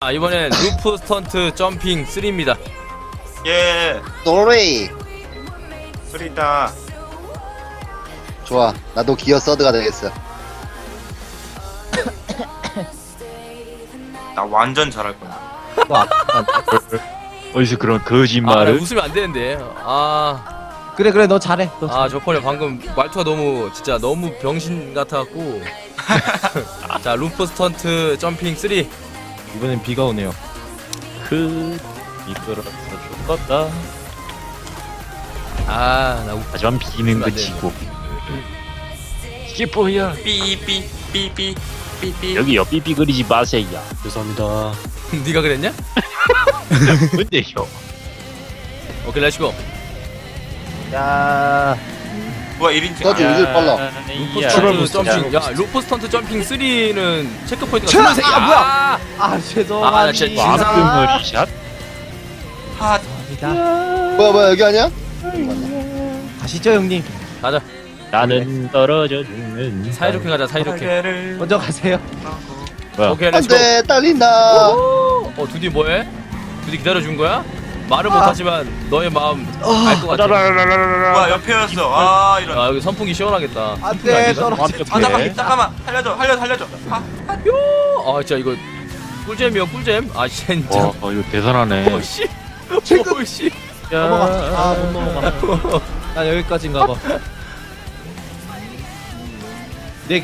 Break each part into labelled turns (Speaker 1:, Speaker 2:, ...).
Speaker 1: 이번엔 루프 스턴트 점핑 3입니다.
Speaker 2: 예.
Speaker 3: 노레이.
Speaker 2: 소리다.
Speaker 3: 좋아. 나도 기어 서드가 되겠어.
Speaker 2: 나 완전 잘할 거야.
Speaker 4: 어디서 그런
Speaker 1: 나
Speaker 4: 거짓말을?
Speaker 1: 웃으면 안 되는데.
Speaker 5: 그래 너 잘해. 너
Speaker 1: 저번에 방금 말투가 너무 진짜 너무 병신 같아갖고. 자, 루프 스턴트 점핑 3.
Speaker 5: 이번엔 비가 오네요.
Speaker 4: 미끄러서 죽었다.
Speaker 1: 나
Speaker 4: 하지만 비는
Speaker 1: 안
Speaker 4: 그치고. skipp야.
Speaker 2: 삐삐 삐삐 삐삐.
Speaker 4: 여기요, 삐삐 그리지 마세요.
Speaker 5: 죄송합니다.
Speaker 1: 네가 그랬냐?
Speaker 4: 뭔데요?
Speaker 1: 오케이, 렛츠고.
Speaker 5: 야.
Speaker 2: 뭐야 1인칭.
Speaker 3: 서드 요즘 빨라.
Speaker 1: 루프
Speaker 4: 야,
Speaker 1: 스턴트 점핑. 야, 루프 스턴트 점핑 3는 체크 포인트가
Speaker 5: 차!
Speaker 1: 23개.
Speaker 5: 아, 뭐야? 아 죄송합니다.
Speaker 1: 나 진짜
Speaker 4: 와스머리 샷?
Speaker 2: 하.
Speaker 3: 뭐야 여기 아니야?
Speaker 5: 가시죠 형님.
Speaker 1: 가자.
Speaker 4: 나는 떨어져 죽는
Speaker 1: 사이좋게 가자, 사이좋게.
Speaker 2: 날개를
Speaker 5: 먼저 가세요.
Speaker 4: 뭐야?
Speaker 1: 오케이, 렛츠고.
Speaker 3: 안돼 딸린다.
Speaker 1: 두디 뭐해? 두디 기다려준 거야? 말은 못하지만 너의 마음 알 것 같아.
Speaker 2: 뭐야 옆에였어. 이런.
Speaker 1: 여기 선풍기 시원하겠다.
Speaker 5: 안돼 떨어져.
Speaker 2: 잠깐만 살려줘.
Speaker 1: 진짜 이거 꿀잼이야, 꿀잼. 진짜.
Speaker 4: 이거 대단하네.
Speaker 1: 오씨. 오씨.
Speaker 5: 넘어가. 못 넘어가. 나 여기까지인가 봐. 네.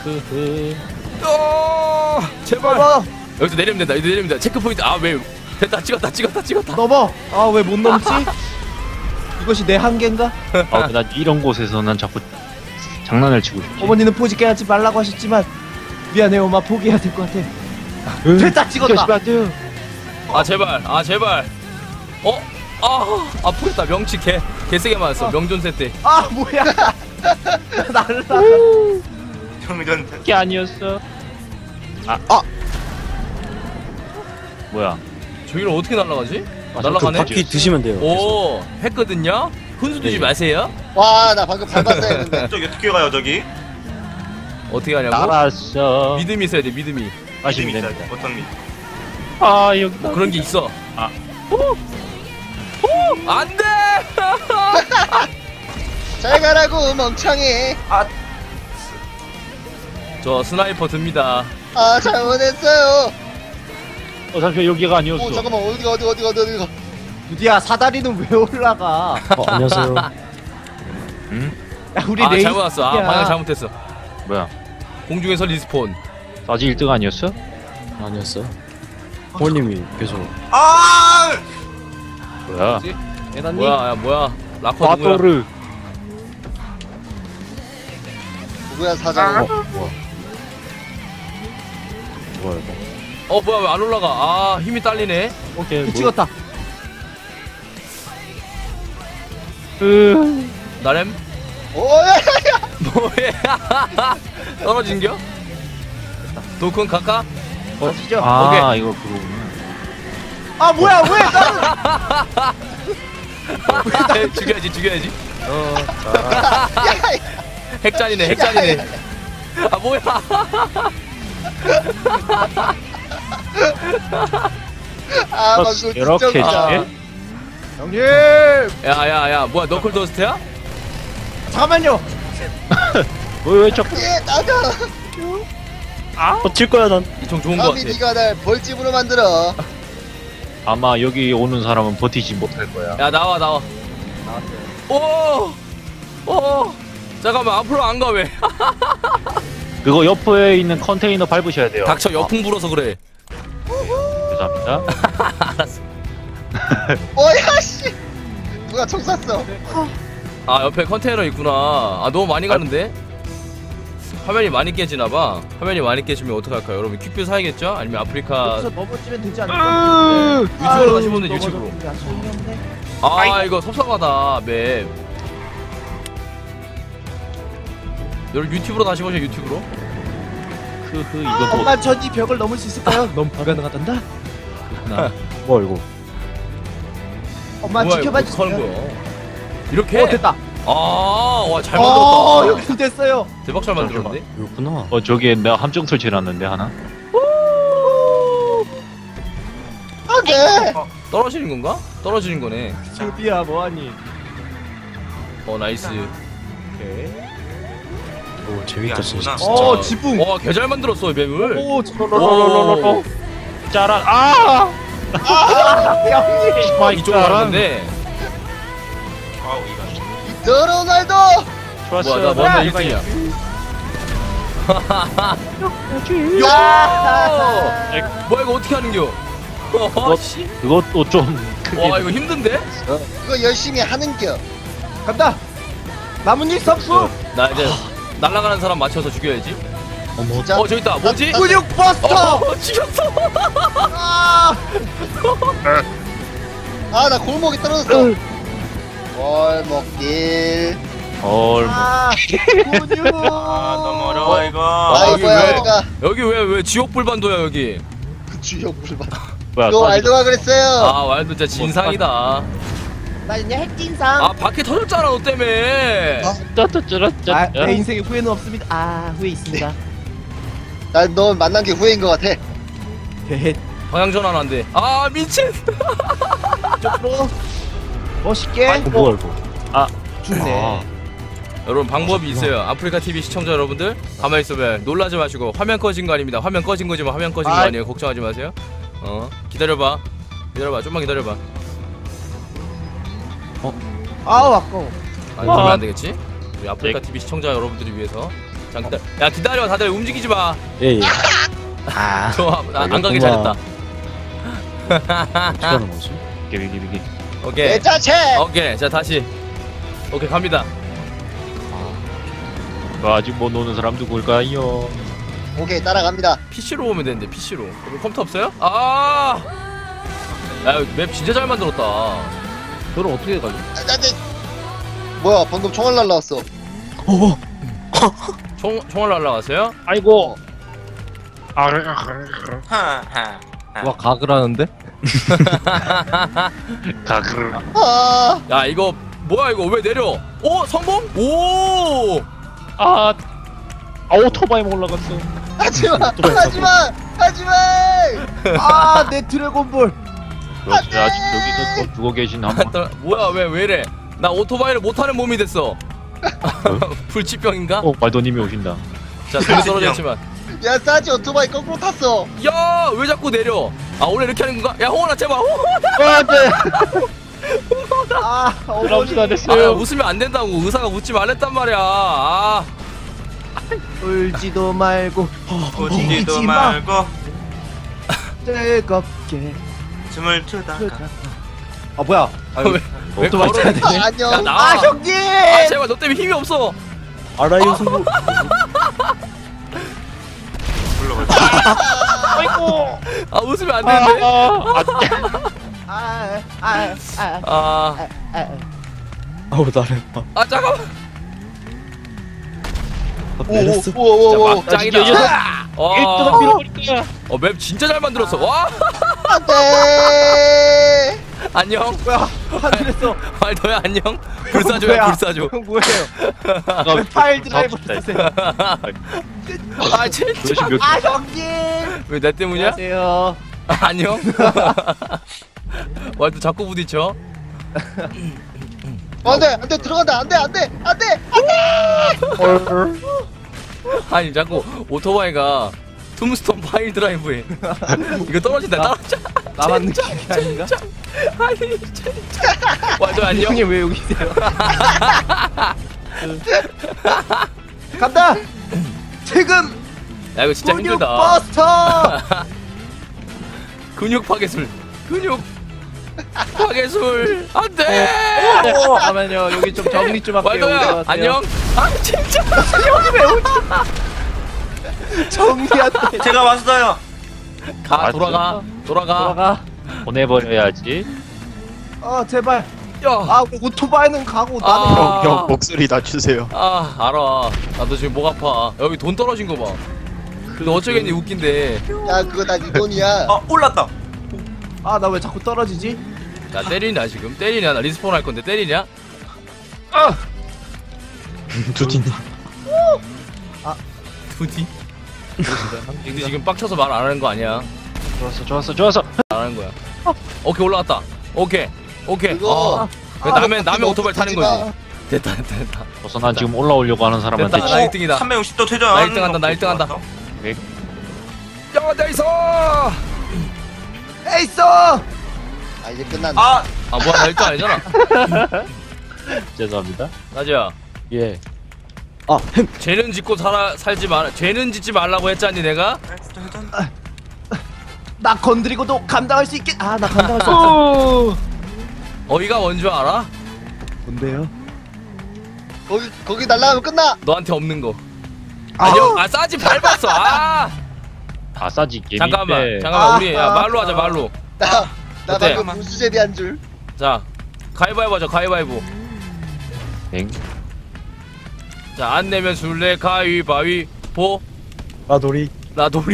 Speaker 1: 제발. 여기서 내리면 된다. 여기서 내리면 된다. 체크 포인트. 왜? 됐다. 찍었다.
Speaker 5: 넘어. 왜 못 넘지? 이것이 내 한계인가?
Speaker 4: 난 이런 곳에서 난 자꾸 장난을 치고 싶지.
Speaker 5: 어머니는 포지 깨하지 말라고 하셨지만 미안해요 엄마 포기해야 될 것 같아. 됐다 찍었다.
Speaker 1: 제발. 아프겠다. 명치 개세게 맞았어. 명존세 때.
Speaker 5: 뭐야? 날라.
Speaker 2: 정전.
Speaker 4: 그게 아니었어. 뭐야?
Speaker 1: 저기를 어떻게 날아가지? 날아가네.
Speaker 4: 바퀴
Speaker 5: 드시면 돼요.
Speaker 1: 오, 했거든요. 훈수 두지 마세요.
Speaker 3: 와 나 방금 밟았어야 했는데.
Speaker 2: 저기 어떻게 가요 저기?
Speaker 1: 어떻게 하냐고?
Speaker 4: 알았어.
Speaker 1: 믿음이 있어야 돼. 믿음이.
Speaker 2: 믿음
Speaker 4: 마시면
Speaker 2: 있어야
Speaker 4: 됩니다.
Speaker 2: 돼. 어떤 믿음?
Speaker 4: 여기
Speaker 1: 뭐 그런 게 있어. 안 돼!
Speaker 3: 잘 가라고 멍청이.
Speaker 1: 저 스나이퍼 듭니다.
Speaker 3: 잘못했어요.
Speaker 4: 잠시만, 여기가 아니었어.
Speaker 3: 잠깐만 어디가.
Speaker 5: 두디야 사다리는 왜 올라가?
Speaker 6: 안녕하세요.
Speaker 4: 응?
Speaker 5: 야 우리 레이스.
Speaker 1: 잘못 왔어. 방향 잘못했어.
Speaker 4: 뭐야?
Speaker 1: 공중에서 리스폰.
Speaker 4: 사지 1등 아니었어?
Speaker 6: 아니었어. 호님이 계속
Speaker 4: 뭐야?
Speaker 5: 대단님.
Speaker 1: 뭐야? 라커 누구야?
Speaker 4: 바토르.
Speaker 3: 누구야 사장?
Speaker 6: 뭐야 이거?
Speaker 1: 뭐야 왜 안 올라가? 힘이 딸리네.
Speaker 4: 오케이.
Speaker 5: 찍었다.
Speaker 1: 나렘?
Speaker 3: 오야.
Speaker 1: 뭐해? 떨어진겨? 도큰 가까?
Speaker 5: 가시죠.
Speaker 4: 이거 그거구나.
Speaker 5: 뭐야 왜 나는?
Speaker 1: 죽여야지. 핵잔이네. 뭐야?
Speaker 3: 방금 진짜
Speaker 4: 이렇게
Speaker 3: 웃기다.
Speaker 4: 해?
Speaker 5: 형님.
Speaker 1: 야, 뭐야? 너클 더스트야?
Speaker 5: 잠깐만요.
Speaker 4: 왜 자꾸
Speaker 3: 나가.
Speaker 6: 버틸 거야 난.
Speaker 1: 이총 좋은 거 같아.
Speaker 3: 네가 날 벌집으로 만들어.
Speaker 4: 아마 여기 오는 사람은 버티지 못할 거야.
Speaker 1: 야, 나와. 오! 잠깐만, 앞으로 안 가, 왜?
Speaker 4: 그거 옆에 있는 컨테이너 밟으셔야 돼요.
Speaker 1: 닥쳐, 역풍 불어서 그래.
Speaker 4: 죄송합니다.
Speaker 3: 뭐야 씨. 누가 총 쐈어?
Speaker 1: 옆에 컨테이너 있구나. 너무 많이 가는데? 화면이 많이 깨지나봐. 화면이 많이 깨지면 어떡할까요? 여러분, 퀵뷰 사야겠죠? 아니면 아프리카.
Speaker 5: 여기서 넘어지면 되지 않을까?
Speaker 1: 유튜브로 가시면 돼, 유튜브로.
Speaker 5: 야 소용이 없네.
Speaker 1: 이거 섭섭하다, 맵. 여러분, 유튜브로 다시 보세요, 유튜브로.
Speaker 4: 이거 뭐
Speaker 5: 엄마 전 이 벽을 넘을 수 있을까요? 너무 불가능하단다.
Speaker 6: 뭐 이거?
Speaker 5: 엄마
Speaker 1: 뭐야,
Speaker 5: 지켜봐
Speaker 1: 이거 어떡하는
Speaker 5: 주세요.
Speaker 1: 거야? 이렇게?
Speaker 5: 됐다.
Speaker 1: 와, 잘 만들었다.
Speaker 5: 여기 됐어요.
Speaker 1: 대박 잘 만들었는데?
Speaker 6: 이렇구나.
Speaker 4: 저기에 내가 함정 설치해놨는데 하나.
Speaker 3: 안돼.
Speaker 1: 떨어지는 건가? 떨어지는 거네.
Speaker 5: 조디야 뭐하니?
Speaker 1: 나이스.
Speaker 5: 오케이.
Speaker 6: 오 재밌다 진짜.
Speaker 5: 어 지붕.
Speaker 1: 와, 개 잘 만들었어, 이 맵을.
Speaker 5: 오
Speaker 1: 오.
Speaker 4: 짜란. 아!
Speaker 5: 형님.
Speaker 1: 이쪽으로 가는데.
Speaker 2: 아우 이거.
Speaker 3: 너 로날도.
Speaker 4: 좋았어.
Speaker 1: 뭐야, 나 먼저 1등이야.
Speaker 3: 야.
Speaker 1: 뭐야, 이거 어떻게 하는겨? 씨.
Speaker 4: 그것도 좀 크게.
Speaker 1: 와, 이거 힘든데?
Speaker 3: 그거 열심히 하는겨.
Speaker 5: 간다. 나뭇잎 섭수.
Speaker 1: 나 이제 날아가는 사람 맞춰서 죽여야지.
Speaker 6: 어머.
Speaker 3: 진짜.
Speaker 1: 저기 있다. 뭐지?
Speaker 5: 근육 버스터.
Speaker 1: 죽였어.
Speaker 5: 아.
Speaker 3: 아 나 골목에 떨어졌어. 골목길.
Speaker 5: 아. 근육.
Speaker 2: 아 너무 어려워 이거.
Speaker 3: 아
Speaker 1: 여기
Speaker 3: 이거야
Speaker 1: 왜?
Speaker 3: 어디가?
Speaker 1: 여기 왜 지옥 불반도야, 여기?
Speaker 3: 주역 물봐.
Speaker 4: 뭐야?
Speaker 3: 너 알도가 그랬어요.
Speaker 1: 아, 와일드 진짜 진상이다.
Speaker 5: 나 이제 핵진상.
Speaker 1: 아, 바퀴 터졌잖아, 너 때문에.
Speaker 5: 아, 내 인생에 후회는 없습니다. 아, 후회 있습니다.
Speaker 3: 난너 만난 게 후회인 것 같아.
Speaker 5: 헤헤.
Speaker 1: 방향 전환 안 돼. 아, 미친.
Speaker 5: 쪽으로 멋있게
Speaker 6: 뭐야 이거.
Speaker 5: 죽네.
Speaker 1: 여러분, 방법이 있어요. 아프리카 TV 시청자 여러분들, 가만히 있어봐요. 놀라지 마시고. 화면 꺼진 거 아닙니다. 화면 꺼진 거지만 화면 꺼진 거
Speaker 5: 아이.
Speaker 1: 아니에요. 걱정하지 마세요. 기다려봐. 좀만 기다려봐.
Speaker 5: 아우 아까워.
Speaker 1: 아니, 그러면 안 되겠지? 우리 아프리카 TV 시청자 여러분들을 위해서. 자, 야, 기다려. 다들 움직이지 마.
Speaker 6: 예 예.
Speaker 1: 좋아. 안 가길
Speaker 6: 알겠구만.
Speaker 1: 잘했다.
Speaker 6: 어떻게 하는 거지?
Speaker 4: 비비비비.
Speaker 1: 오케이.
Speaker 3: 내 자체.
Speaker 1: 오케이. 자, 다시. 오케이, 갑니다.
Speaker 4: 아직 못 노는 사람 누굴까요?
Speaker 3: 오케이 따라갑니다.
Speaker 1: PC로 오면 되는데, PC로. 여기 컴퓨터 없어요? 아! 야, 맵 진짜 잘 만들었다.
Speaker 5: 너는 어떻게 가지?
Speaker 3: 뭐야 방금 총알 날라왔어.
Speaker 1: 총알 날라갔어요?
Speaker 4: 아이고.
Speaker 2: 하하.
Speaker 5: 와 각을 하는데?
Speaker 4: 가글.
Speaker 3: 아
Speaker 1: 야, 이거 뭐야, 이거 왜 내려? 오, 성공? 오!
Speaker 4: 오토바이 올라갔어.
Speaker 3: 하지마 하지마 하지마.
Speaker 5: 아내 드래곤볼.
Speaker 4: 그렇지. 아직 여기서 또 죽어 계신 한 분.
Speaker 1: 뭐야, 왜 이래? 나 오토바이를 못하는 몸이 됐어. 불치병인가?
Speaker 4: 말도님이 오신다.
Speaker 1: 자, 손이 떨어졌지만.
Speaker 3: 야 싸지 오토바이 거꾸로 탔어.
Speaker 1: 야, 왜 자꾸 내려? 아, 원래 이렇게 하는 건가? 야, 홍원아, 제발.
Speaker 5: 아
Speaker 4: 그럼시다
Speaker 5: 어머니.
Speaker 1: 아, 웃으면 안 된다고. 의사가 웃지 말랬단 말이야. 아,
Speaker 5: 울지도 말고
Speaker 2: 웃지도
Speaker 5: 울지 마.
Speaker 2: 말고
Speaker 5: 즐겁게.
Speaker 2: 춤을 추다가.
Speaker 5: 아 뭐야?
Speaker 1: 왜
Speaker 5: 오토바이
Speaker 1: 걸어?
Speaker 5: 타야 되네.
Speaker 1: 야,
Speaker 3: 안녕.
Speaker 1: 나와.
Speaker 5: 아 형님.
Speaker 1: 아, 제발, 너 때문에 힘이 없어.
Speaker 6: 알아요 승부.
Speaker 2: 불러봐.
Speaker 1: 아, 웃으면 안 되는데.
Speaker 6: 아우 나를 봐.
Speaker 1: 아, 잠깐만.
Speaker 6: 내렸어.
Speaker 3: 오오오오.
Speaker 1: 진짜 막장이다.
Speaker 4: 일등은 밀어버릴 거야.
Speaker 1: 맵 진짜 잘 만들었어. 와,
Speaker 3: 안돼.
Speaker 1: 안녕.
Speaker 5: 뭐야? 하늘에서
Speaker 1: 말도야, 안녕. 불사조야,
Speaker 5: 뭐야?
Speaker 1: 불사조.
Speaker 5: 형 뭐예요? 왜 파일 드라이브 쓰세요?
Speaker 1: 아, 진짜.
Speaker 4: 도대체 몇
Speaker 5: 아 형님.
Speaker 1: 왜 내 때문이야?
Speaker 5: 안녕하세요.
Speaker 1: 아, 안녕. 말도 자꾸 부딪혀.
Speaker 3: 안돼 안돼 들어간다 안돼.
Speaker 1: 아니, 자꾸 오토바이가 툼스톤 파일 드라이브에 이거 떨어진다. 떨어져.
Speaker 5: 나만 느끼는 게 아닌가?
Speaker 1: 아니, 진짜. 말도 안녕.
Speaker 5: 형님 왜 여기 있어요? 간다. 지금
Speaker 1: 야, 이거 진짜
Speaker 5: 근육
Speaker 1: 힘들다.
Speaker 5: 버스터.
Speaker 1: 근육 파괴술. 근육 파괴술. 안 돼.
Speaker 5: 잠깐만요. 여기 좀 정리 좀 할게요.
Speaker 1: 말도야, 안녕. 아, 진짜.
Speaker 5: 형님 왜 오지? 정리한테
Speaker 2: 제가 왔어요.
Speaker 1: 가, 돌아가.
Speaker 5: 돌아가.
Speaker 4: 보내버려야지.
Speaker 5: 제발.
Speaker 1: 야.
Speaker 5: 아 오토바이는 가고 나는
Speaker 1: 아.
Speaker 6: 형 목소리 낮추세요.
Speaker 1: 아, 알아. 나도 지금 목 아파. 여기 돈 떨어진 거 봐. 근데 어쩌겠니, 웃긴데.
Speaker 3: 야 그거 다 네 돈이야.
Speaker 2: 올랐다.
Speaker 5: 나 왜 자꾸 떨어지지?
Speaker 1: 야, 때리냐, 지금? 때리냐? 나 리스폰 할 건데, 때리냐?
Speaker 6: 두디님.
Speaker 1: 두디? 근데 지금 빡쳐서 말 안 하는 거 아니야?
Speaker 4: 좋았어.
Speaker 1: 안 하는 거야. 오케이 올라갔다. 오케이.
Speaker 3: 그거
Speaker 1: 남의 오토바이 타는 거지. 됐다.
Speaker 4: 우선 난 지금 올라오려고 하는 사람한테
Speaker 1: 됐다. 나 1등이다.
Speaker 2: 360도 퇴전.
Speaker 1: 나 1등한다. 나 1등한다. 야, 나이스!
Speaker 5: 에이스!
Speaker 3: 아 이제 끝났네.
Speaker 2: 아,
Speaker 1: 뭐야, 나 1등 아니잖아.
Speaker 4: 죄송합니다.
Speaker 1: 나지야.
Speaker 6: 예.
Speaker 1: 죄는 짓고 살지 말. 죄는 짓지 말라고 했잖니 내가.
Speaker 2: 퇴전.
Speaker 5: 나 건드리고도 감당할 수 있겠. 나 감당할 수 없어.
Speaker 1: 어이가 뭔 줄 알아?
Speaker 5: 뭔데요?
Speaker 3: 거기 날라가면 끝나.
Speaker 1: 너한테 없는 거.
Speaker 5: 아.
Speaker 1: 싸지 밟았어.
Speaker 4: 아싸지 게임
Speaker 1: 잠깐만
Speaker 4: 때
Speaker 1: 우리 말로 하자 말로.
Speaker 3: 나
Speaker 1: 어때?
Speaker 3: 방금 무수제비 한 줄.
Speaker 1: 자 가위바위보 하자 가위바위보.
Speaker 4: 땡.
Speaker 1: 자 안 내면 술래 가위바위보.
Speaker 6: 나돌이.
Speaker 1: 나돌이?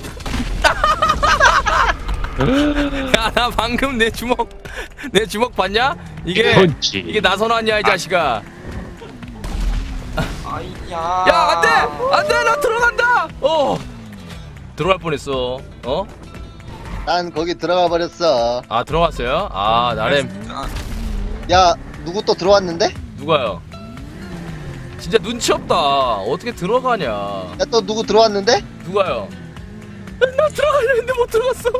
Speaker 1: 야 나 방금 내 주먹 봤냐? 이게
Speaker 4: 펀치.
Speaker 1: 나선환이야 이 자식아.
Speaker 2: 아이야.
Speaker 1: 야 안돼 나 들어간다. 들어갈 뻔했어.
Speaker 3: 난 거기 들어가 버렸어.
Speaker 1: 들어갔어요? 나렘.
Speaker 3: 야 누구 또 들어왔는데?
Speaker 1: 누가요? 진짜 눈치 없다. 어떻게 들어가냐?
Speaker 3: 야 또 누구 들어왔는데?
Speaker 1: 누가요? 나 들어가려 했는데 못 들어갔어.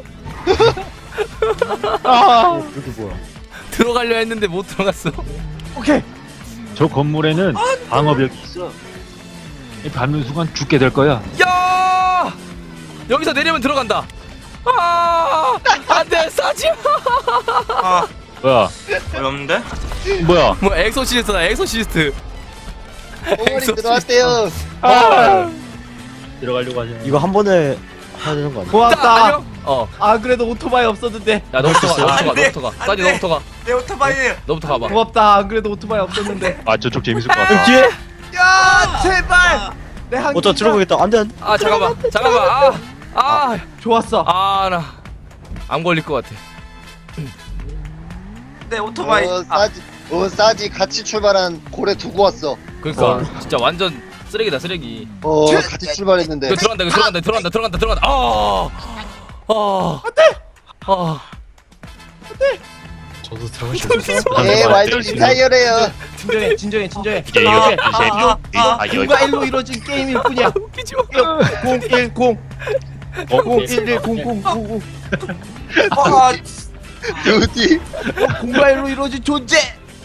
Speaker 6: 여기 뭐야?
Speaker 1: 들어가려 했는데 못 들어갔어.
Speaker 5: 오케이.
Speaker 4: 저 건물에는 방어벽이 있어. 이 밟는 순간 죽게 될 거야.
Speaker 1: 야! 여기서 내리면 들어간다. 안돼 싸지.
Speaker 2: 아,
Speaker 4: 뭐야?
Speaker 2: 어렵는데?
Speaker 4: 뭐야?
Speaker 1: 뭐 엑소시스트다 엑소시스트.
Speaker 3: 오머리 들어왔대요.
Speaker 4: 들어가려고 하지.
Speaker 6: 이거 한 번에 해야 되는 거 아니야?
Speaker 5: 고맙다.
Speaker 1: 안녕?
Speaker 5: 그래도 오토바이 없었는데.
Speaker 1: 야 너부터 가.
Speaker 2: 안 돼,
Speaker 1: 너부터 가.
Speaker 2: 안
Speaker 1: 싸지
Speaker 2: 돼.
Speaker 1: 너부터 가.
Speaker 2: 내 오토바이.
Speaker 1: 너부터 가봐.
Speaker 5: 고맙다. 안 그래도 오토바이 없었는데.
Speaker 4: 저쪽 재밌을 것 같아.
Speaker 6: 뒤에?
Speaker 5: 야 제발. 내 한.
Speaker 6: 저 들어가겠다. 안 돼.
Speaker 1: 잠깐만.
Speaker 5: 좋았어.
Speaker 1: 나 안 걸릴 것 같아.
Speaker 2: 내 오토바이.
Speaker 3: 싸지 같이 출발한 고래 두고 왔어.
Speaker 1: 그러니까 진짜 완전 쓰레기다 쓰레기.
Speaker 3: 같이 출발했는데.
Speaker 1: 이거 들어간다.
Speaker 6: 저도 들어갈 수 있어.
Speaker 3: 완전 리타이어래요.
Speaker 5: 진정해.
Speaker 4: 이게
Speaker 5: 누가 일로 이루어진 게임일 뿐이야.
Speaker 1: 웃기지 마.
Speaker 5: 010 01100099
Speaker 2: 아,
Speaker 3: 두디
Speaker 5: 공과 일로 이루어진 존재.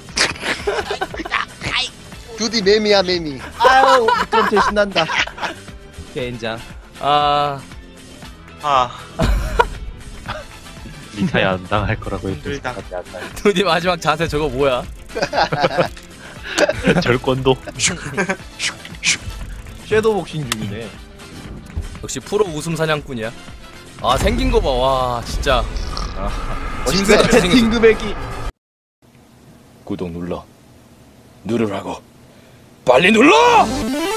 Speaker 3: 두디 매미야 매미.
Speaker 5: 아유 좀 대신난다. 젠장.
Speaker 2: 아,
Speaker 4: 리타이 안 당할 거라고
Speaker 2: 힘들다.
Speaker 1: 두디 마지막 자세 저거 뭐야?
Speaker 4: 절권도.
Speaker 5: 섀도우 복싱 중이네.
Speaker 1: 역시 프로 웃음 사냥꾼이야. 생긴 거 봐. 와 진짜.
Speaker 3: 멋있네.
Speaker 1: 짐승같이 생겼어.
Speaker 5: 딩그백이.
Speaker 1: 구독 누르라고. 빨리 눌러!